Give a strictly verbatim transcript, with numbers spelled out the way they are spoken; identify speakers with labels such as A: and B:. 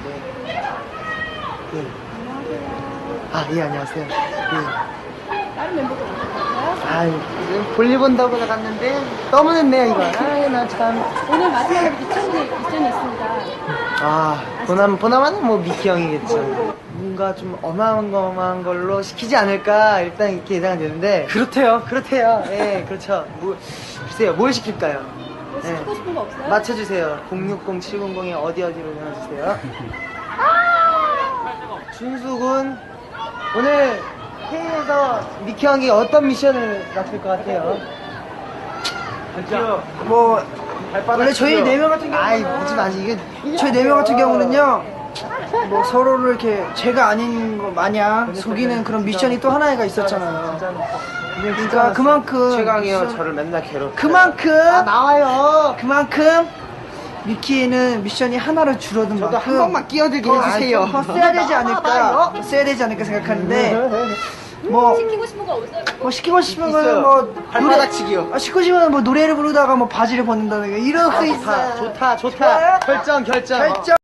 A: 있는데. 네. 아, 예, 안녕하세요. 예.
B: 다른 멤버도 오셨어요?
A: 아, 볼일 본다고 나갔는데 너무 늦네요, 이거. 아, 나 참.
B: 오늘 마지막으로 미션이, 미션이 있습니다.
A: 아, 보남, 보나마는 뭐 미키 형이겠죠. 뭔가 좀 어마어마한 걸로 시키지 않을까 일단 이렇게 예상이 되는데. 그렇대요. 그렇대요. 예, 그렇죠. 뭐, 글쎄요, 뭘 시킬까요?
B: 뭐 시키고 싶은 거 없어요?
A: 맞춰주세요. 공육공 칠공공에 어디 어디로 전화주세요. 준수군, 오늘 회의에서 미키 형이 어떤 미션을 맡을 것 같아요?
C: 뭐 원래 저희 네 명 같은
A: 아이,
C: 경우는
A: 보지 마지. 이게
C: 저희 네 명 같은 경우는요 뭐 서로를 이렇게 제가 아닌 거 마냥 속이는 그런 미션이 또 하나가 있었잖아요. 그러니까 그만큼
D: 최강이 형
C: 미션-
D: 저를 맨날 괴롭혀.
C: 그만큼
A: 아, 나와요.
C: 그만큼 미키에는 미션이 하나로 줄어든
A: 저도
C: 만큼
A: 한 번만 끼어들게
C: 더-
A: 해주세요.
C: 더 써야 되지 않을까
A: 나와요.
C: 더 써야 되지 않을까 생각하는데 뭐
B: 시키고 싶은 거 없어요?
C: 뭐 시키고 싶은
A: 있어요.
C: 거는 뭐
A: 발바닥치기요.
C: 아, 시키고 싶으면 뭐 노래를 부르다가 뭐 바지를 벗는다든가 이런 거
A: 아,
C: 있어요.
A: 좋다, 좋다, 좋다.
C: 좋아요?
A: 결정, 결정.
C: 결정.